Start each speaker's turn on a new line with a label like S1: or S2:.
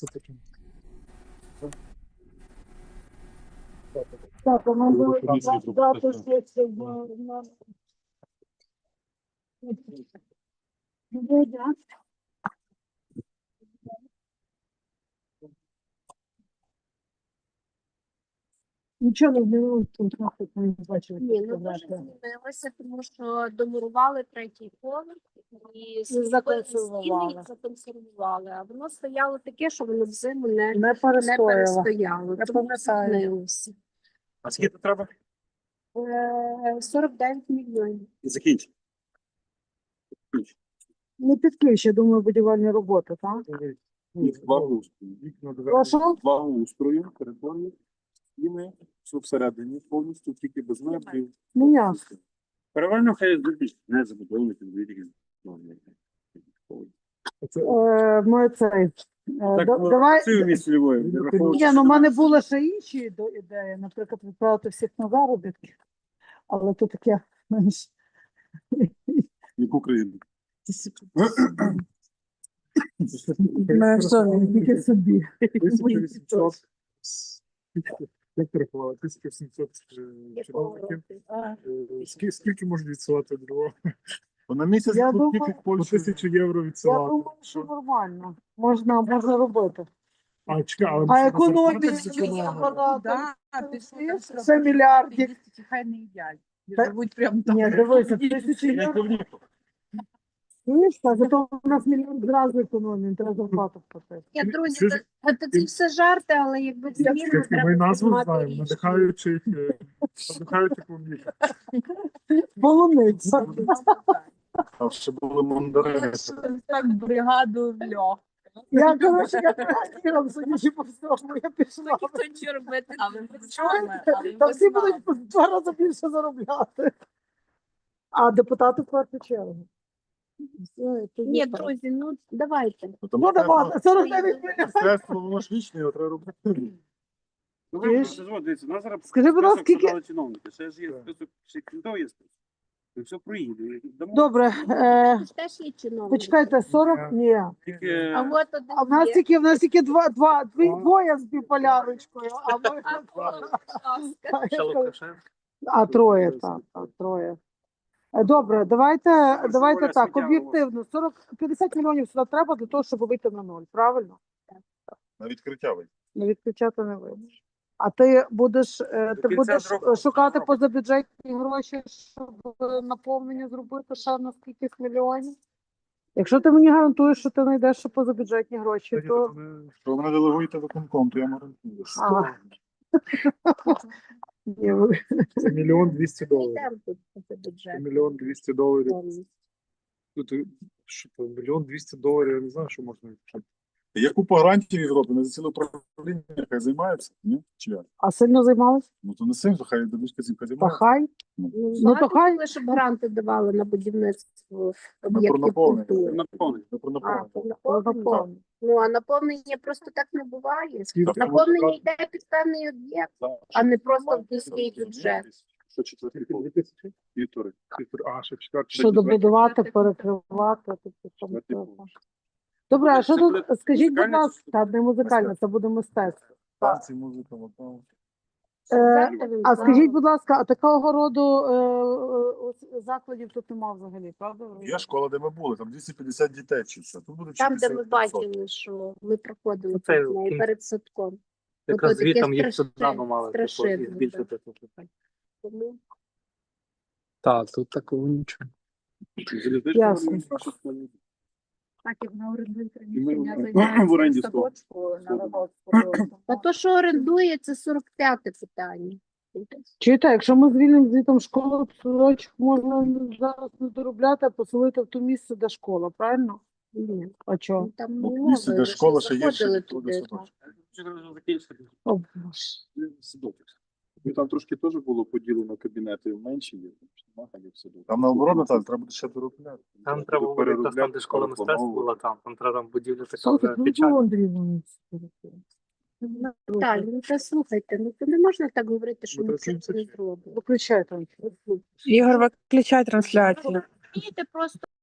S1: це таке.
S2: Так, а ми
S1: Було комісії
S2: дати
S1: пропустити.
S2: щось в Нічого не змінилося, контракт не бачили.
S3: Ні, ну дуже змінилося, тому що домурували третій поверх і
S2: законсервували.
S3: стіни законсервували. А воно стояло таке, що воно взиму не
S2: Не перестояла.
S3: перестояло.
S2: Я
S3: Тому
S2: пам'ятаю.
S3: змінилося.
S1: А скільки треба?
S3: 49 мільйонів.
S1: І закінчити.
S2: Не під ключ, я думаю, будівельні роботи, так?
S1: Благоустрою.
S2: Прошу?
S1: Благоустрою, територію, стіни, все всередині повністю, тільки без меблів.
S2: Ну, ясно.
S4: Перевально хай зробіть, не забудовники, двері.
S2: Ми цей. Давай.
S4: Це в місті Львові. не враховуючи,
S2: Ні, ну в
S4: що
S2: мене були ще інші ідеї, наприклад, відправити всіх на заробітки. Але то таке менш.
S1: Яку країну?
S2: Тільки собі.
S1: 1800. Як ти рахувала? 1700
S3: Якого
S1: чиновників.
S3: року?
S1: Скільки можуть відсилати до Львова?
S4: На місяць
S2: Я
S4: тут
S2: думаю-
S4: тільки
S1: По
S4: Польщу.
S1: 1000 євро
S2: Я
S1: відсилати.
S2: думаю, що нормально. Можна робити.
S1: А, чекай, але
S2: А
S1: ми
S2: економія це мільярдів.
S5: Хай не їдять.
S2: Та-
S5: Живуть прямо там.
S2: Ні, дивися, 1000 євро. Чуєш, та зато у нас мільйон зразу економії, треба зарплату платити.
S3: Ні, друзі,
S1: Це ж-
S3: це все жарти, але якби зміни
S1: Ми
S3: треба
S1: назву
S3: приймати
S1: знаємо,
S3: рішення.
S1: надихаючи клубніка.
S2: Полуниця.
S1: А ще були мандарини.
S5: Так бригаду в льох.
S2: Я, коротше, я тренером, судячи по всьому, я пішла.
S5: Що робити? Але ми
S2: Та всі будуть в 2 рази більше заробляти. А депутати в першу чергу. Все, тоді
S3: Ні,
S2: так.
S3: друзі, ну давайте.
S2: Ну, давай, 49 мільйонів.
S1: Мистецтво, воно ж вічне, його треба робити.
S4: Ну,
S2: Чуєш?
S4: ви просто дивіться, у нас зараз
S2: Скажи, будь ласка,
S4: список
S2: скільки-
S4: подали чиновники. Ще ж є список, ще крім того є список. І все проїде. Дамо
S2: Добре,
S3: Це ж теж є чиновники.
S2: почекайте, 40? Ні.
S4: тільки
S3: А от один
S2: А в нас
S3: є.
S2: тільки, двоє з біполярочкою, а ми...
S3: А, будь ласка.
S2: А троє, так, троє. Добре, давайте
S4: Оля
S2: так,
S4: Сміттярова.
S2: об'єктивно. 50 мільйонів сюди треба для того, щоб вийти на ноль, правильно?
S1: На відкриття вийти.
S2: Не відключати не вийдеш. А ти будеш,
S4: кінця року.
S2: шукати позабюджетні гроші, щоб наповнення зробити ще на скількись мільйонів? Якщо ти мені гарантуєш, що ти знайдеш ще позабюджетні гроші, то...
S1: Що ви мене делегуєте виконком, то я гарантую.
S2: Ага. Ні, ви-
S1: Це $1 200 000.
S3: Йдемо тут по
S1: Це
S3: бюджету.
S1: $1 200 000. Тут, що то, $1 200 000, я не знаю, що можна відчути. Є купа грантів в Європі, не за ціле управління, хай займаються, ні? Чи як?
S2: А сильно займалась?
S1: Ну то не сильно, то хай дедушка зімка
S2: Та
S1: займається.
S2: хай.
S3: Ну,
S2: Ну, то хай.
S3: хотіли, щоб гранти давали на будівництво
S1: Ми про
S3: об'єктів
S1: наповнення.
S3: культури.
S4: наповнення.
S1: Не про
S3: А,
S1: наповнення.
S3: то наповнення. Ну, а наповнення просто так не буває.
S1: Скільки
S3: Наповнення йде під певний об'єкт, а не просто в міський бюджет.
S1: Що четвертий пол? 2000? Півтори. А, ще четвертий.
S2: Що добудувати, перекривати.
S1: Четвертий пол.
S2: Добре, а що
S4: Це
S2: тут,
S4: буде
S2: скажіть, будь
S4: музикальне
S2: ласка, та не музикальне, це буде мистецтво.
S1: Танці, музика, вокал.
S2: А скажіть, будь ласка, а такого роду закладів тут нема взагалі, правда?
S1: Є школа, де ми були, там 250 дітей вчиться. Тут буде
S3: Там, де ми
S1: 400.
S3: бачили, що ми проходили
S6: Це
S3: тут неї перед садком.
S6: Якраз
S3: Ото таке
S6: звітом їх
S3: страшне-
S6: сюди мали
S3: страшенно,
S6: збільшити.
S3: Тому
S6: Так, тут такого нічого.
S4: Залізнична
S2: Ясно.
S4: адміністрація.
S5: Так, як на орендують
S4: І ми
S5: приміщення,
S4: в оренді
S5: садочку, на Львовську.
S3: Та то, що орендує, це 45-те питання.
S2: Чуєте, якщо ми звільнимо звітом школу, то садочок можна зараз не доробляти, а поселити в то місце, де школа, правильно?
S3: Ні.
S2: А чого?
S3: Ну, там
S1: Ну,
S3: не
S1: місце, де
S3: мови,
S1: школа,
S3: ви
S1: ще
S3: ж
S1: є, ще
S3: заходили
S1: туди
S3: туди.
S1: садочок.
S2: О, Боже.
S4: Ну, там трошки теж було поділено кабінети менші, є, там ж нема там, як все добре.
S1: Там наоборот, Наталя, треба буде ще доробляти.
S6: Там треба було якраз там, де школа мистецтв була, там треба там будівля така
S2: Слухайте,
S6: вже
S2: ну
S6: печальна.
S2: було Андрій Іванович.
S3: Так, ну та слухайте, ну то не можна так говорити, що
S1: Ну,
S3: ми
S1: то
S3: це
S1: це
S3: не зробимо.
S2: Виключайте.
S5: Ігор, виключай трансляцію.
S3: Розумієте, просто